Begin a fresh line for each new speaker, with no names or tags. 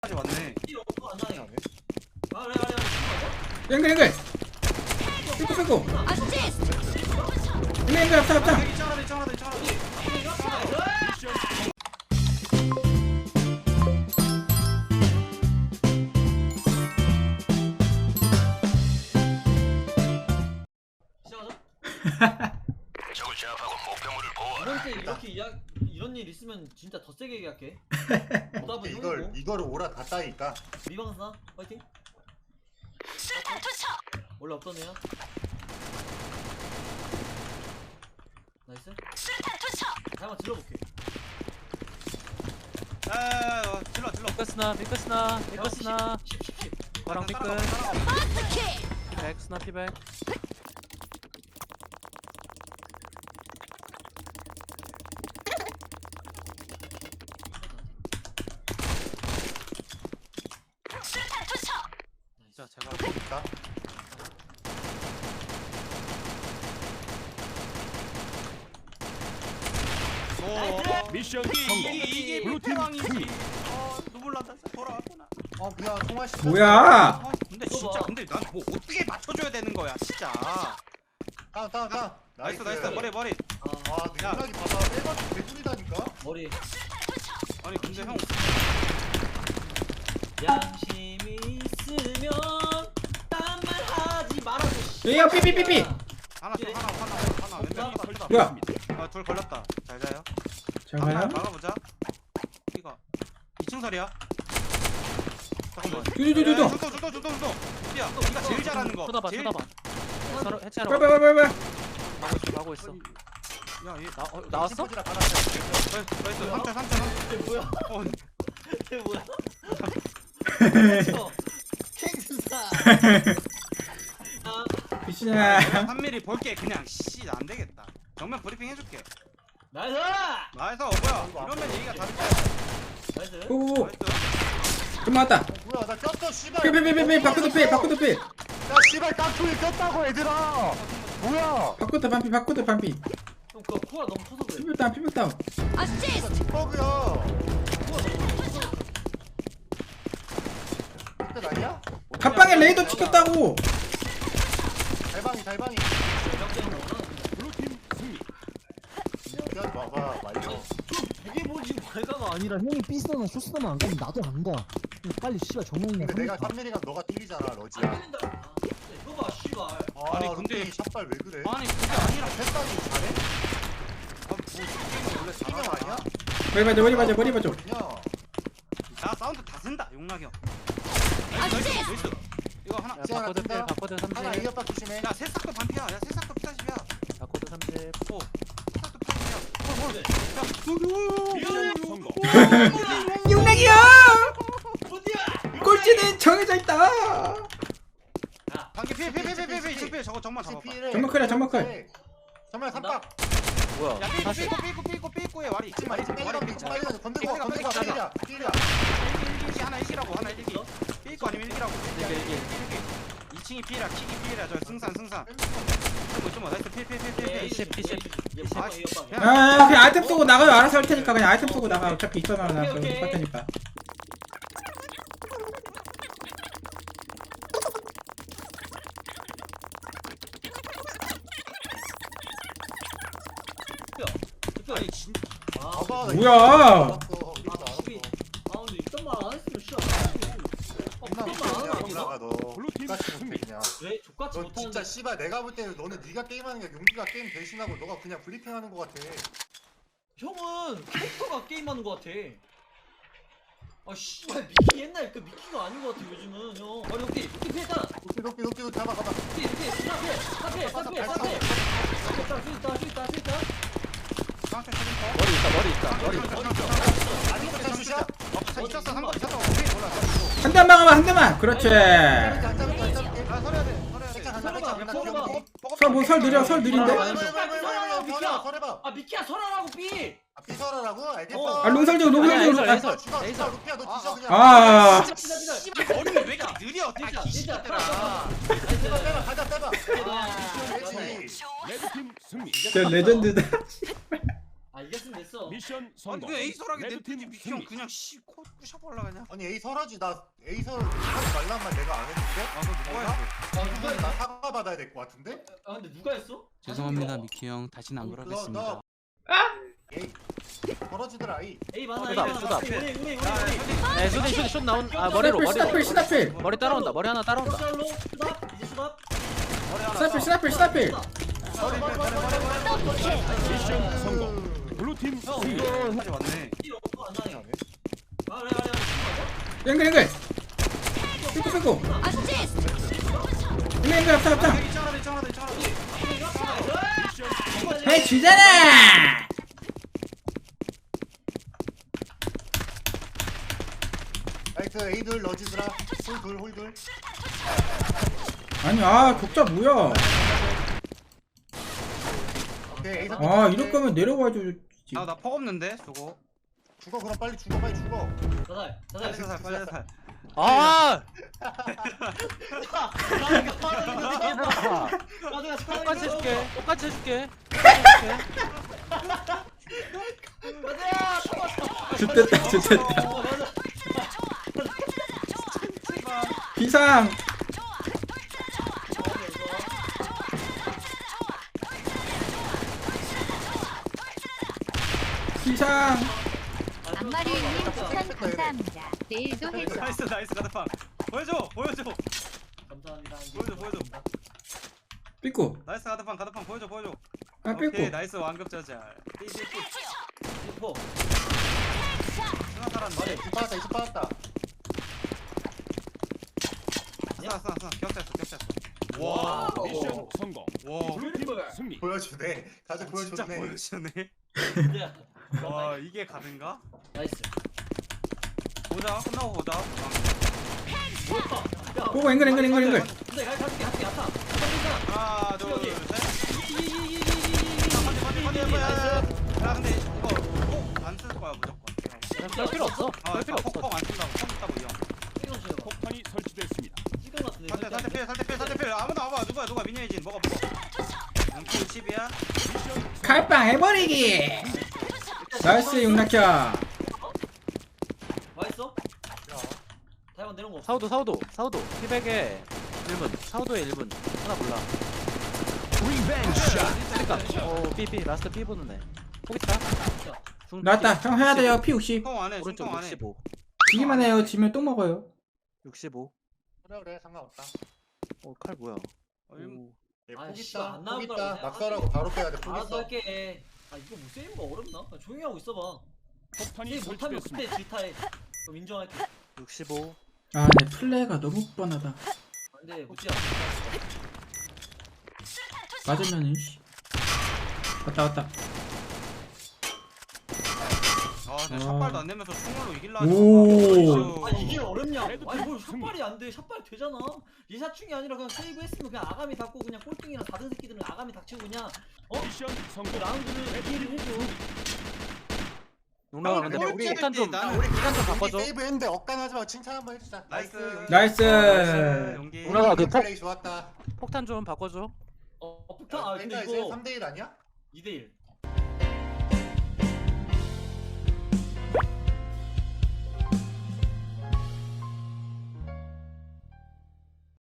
맞네.
앵글 삐꾸 앵글 앞장
적을 제압하고 목표물을 보호하라.
이번 때 이렇게 이런 일 있으면 진짜 더 세게 얘기할게. 보답은 형이고.
이거를 오라 갔다니까.
미방사 파이팅.
수류탄 투척.
원래 없던 애야. 나이스.
수류탄 투척.
한번 질러볼게.
질러.
삐끗스나 거랑 삐끗 피백 스나 피백
수류탄 투척.
자, 제가 볼까?
미션 성공.
이게
블루팀 승리.
눈물 난다. 돌아왔구나. 그냥 송아 씨.
뭐야
근데 진짜 난 뭐 어떻게 맞춰줘야 되는 거야, 진짜. 다운. 나이스. 머리.
야.
능력이 봐봐. 빼가지고 개꿀이다니까.
머리.
아니 근데 형.
양심이 있으면 딴말 하지 말아줘.
얘야 삐삐삐삐
하나. 왼쪽 걸렸다.
뭐야
둘 걸렸다. 잘 자요.
잠깐만요
막아보자. 이거 2층설이야. 잠깐만.
두두두두두
주도. 야, 네가 제일 잘하는 거.
쳐다봐
제일-
서로 해체하러
빨빨빨빨빨
가고 있어
야, 얘
나왔어?
나이스. 3점.
쟤 뭐야?
어,
쟤 뭐야? 캥스타.
귀신아
3mm 볼게 그냥 안 되겠다. 정면 브리핑 해줄게.
나이스.
나이스. 뭐야? 이러면 얘기가 다르다.
나이스.
오오오
나이스.
좀 맞았다
뭐야? 나 꼈어, 씨발.
삐삐삐삐삐 바꾸도 필
야, 씨발 깡통이 꼈다고 얘들아. 뭐야?
바꾸도 반피
형 그거 코가 너무 커서 그래.
피백다운
버그야.
코가 너무 커서.
그때 아니야?
갑방에 레이더 찍혔다고
달방이.
블루팀 승리.
야, 봐봐, 말려.
되게 보지 말가가 아니라 형이 삐스나 쇼스나만 안 가면 나도 안 가. 그냥 빨리 씨발 정면이나
근데 내가 3mm가 너가 뚫리잖아, 러지야.
안 들린다. 이거 봐 씨발.
아니 근데 샷발 왜 그래?
아니 그게 아니라
패스하기 잘해? 뭐 게임은 원래 잘하는 거 아니야?
머리 봐줘
그냥 야 사운드 다 쓴다 용락이 형. 나이스. 이거 하나.
야, 바코드 필 바코드 30
하나 이어박 조심해. 야 새싹도 반피야. 야 새싹도 피사십이야.
바코드 30
새싹도 피사십이야.
미션 성공.
용락이야
어디야?
꼴찌는 정해져 있다
반기 피피피피피 이층 저거 정말 잡아봐.
정말
정말 삼박.
뭐야
야 삐꾸에 와리. 이층 와리. 건들고 필이야. 일기 하나 일기라고 하나 일기. 삐꾸 아니면 일기라고.
일기.
2층이 피라 킥이 피라 저 승산. 좀 나이스 피.
아 그냥 아이템 쏘고 나가요 알아서 할 테니까 그냥 아이템 쏘고 나가 어차피 2천원 나서
오케이.
똑같으니까
아니 진짜.
뭐야
아 근데 이딴 말 안 했으면 씨발.
블루팀 승리.
왜 족같이
너
못하는데?
진짜 씨발 내가 볼 때는 너는 네가 게임하는 게 용기가 게임 대신하고 너가 그냥 브리핑하는 거 같아.
형은 캐릭터가 게임하는 것 같아. 아 씨발 미키 옛날 그 미키가 아닌 것 같아 요즘은 형. 아니 여기 피했다.
높이 잡아.
피 스탑해.
한 대만 막아봐 한 대만 그렇지 설 느린데
아 미키야 설하라고 삐.
비설하라고 알겠어.
아 롱설적
해설.
루피야 너 뒤져 그냥.
아
머리는 왜 이렇게 느려?
진짜.
기시들아.
가자 빼봐.
아,
그렇지.
레드팀 승리.
진짜 레전드다
아 아 이겼으면 됐어.
미션
아니
성공.
왜 에이설하게
레드팀
냅두지 미키 형
승리.
그냥 코 부셔버려 그냥.
아니 에이 설하지 나 에이 설 하지 말란 말 내가 안 했는데?
아 그거 누가 했어?
이건 나 사과 받아야 될 것 같은데?
아 근데 누가 했어?
죄송합니다 미키 형. 다시는 안 그러겠습니다.
에이 벌어지더라 이.
에이 많아.
쏘다,
에이
쏘다.
많아. 우리.
네 슛 나온. 아 머리로
스나필 스나필
머리 따라온다. 머리 하나 따라온다.
로 수답 이제 수답.
스나필
미션 성공. 블루팀 승리.
하지 왔네.
이 없어 안 나네. 아 그래.
앵글 삐꾸
어시스트.
앵글 앞차
이창하다.
해 주잖아.
나이스 에이들 러지드라. 홀둘.
아니 격자 뭐야.
오케이 에이
이럴 거면 내려와 주지.
나 퍽 없는데 저거.
죽어 그럼 빨리 죽어.
자살.
빨리 살 빨리 살.
아! 똑같이 해줄게. 똑같이 해줄게.
좋됐다. 비상. 비상.
안마리님 추천 감사합니다. 내일도 해줘.
나이스 가드팡. 보여줘.
감사합니다.
보여줘.
삐꾸.
나이스 가드팡 보여줘.
삐꾸.
오케이 나이스 완급자잘. 삐삐삐.
슈퍼.
스나 살았는데.
이스 빠졌다.
스나 격자했어.
와.
미션 성공.
와.
블루팀 승리.
보여주네. 다들
진짜
보여줬네.
보여주네.
야.
와 이게 가든가?
나이스.
끝나고 보자.
뭐야? 야.
보고 앵글.
근데 갈게 갔다.
하나 둘
여기.
셋. 야 근데 이거 안 쓸 거야 무조건.
별 필요 없어. 별 필요 없어.
퍽안 쓴다고. 퍽 있다고 이형.
찍어주세요.
폭탄이 설치됐습니다.
찍은 것 같은데.
살대필 아무도 안 와. 누가 미니에이진 먹어. 연기 60이야.
칼빵 해버리기. 나이스 용낙현.
맛있어?台湾내려온 거 없어.
사우도. 피백에 1분. 사우도에 1분. 하나 몰라. 그러니까. 삐 라스트 삐 보는 애. 포기타.
나왔다. 형 해야 돼요. P60.
중통 안해.
오른쪽
중통 안해.
65.
지기만 해요. 지면 똥 먹어요.
65.
그래 상관없다.
칼 뭐야?
아,
포기
씨발,
있다.
안 나올
포기
거라고
있다.
내가
낙서라고 바로 빼야 돼. 포기
알아서
있어.
할게. 아 이거 뭐 세이브가 어렵나? 아, 조용히 하고 있어봐.
폭탄이
세이브 못하면
설치됐습니다.
그때 질타해. 그럼 인정할게.
65.
내 플레이가 너무 뻔하다.
안돼 무지야.
맞으면은 씨. 왔다.
근데 샷발도 안 내면서 총알로 이길라.
오.
아 이게 어렵냐고. 아니 뭘 샷발이 안 돼. 샷발이 되잖아. 리사충이 아니라 그냥 세이브 했으면 그냥 아가미 닫고 그냥 꼴등이랑 다른 새끼들은 아가미 닥치고 그냥
미션
그
성공.
라운드를 이해를 해줘.
농락아 근데
우리
폭탄 좀
나는
시간 좀 바꿔줘.
세이브 했는데 억간하지 말고 칭찬 한번 해주자.
나이스.
나이스.
연기.
누나가 그
플레이 좋았다.
폭탄 좀 바꿔줘.
폭탄 아 근데
이제
이거
3대1 아니야?
2대1.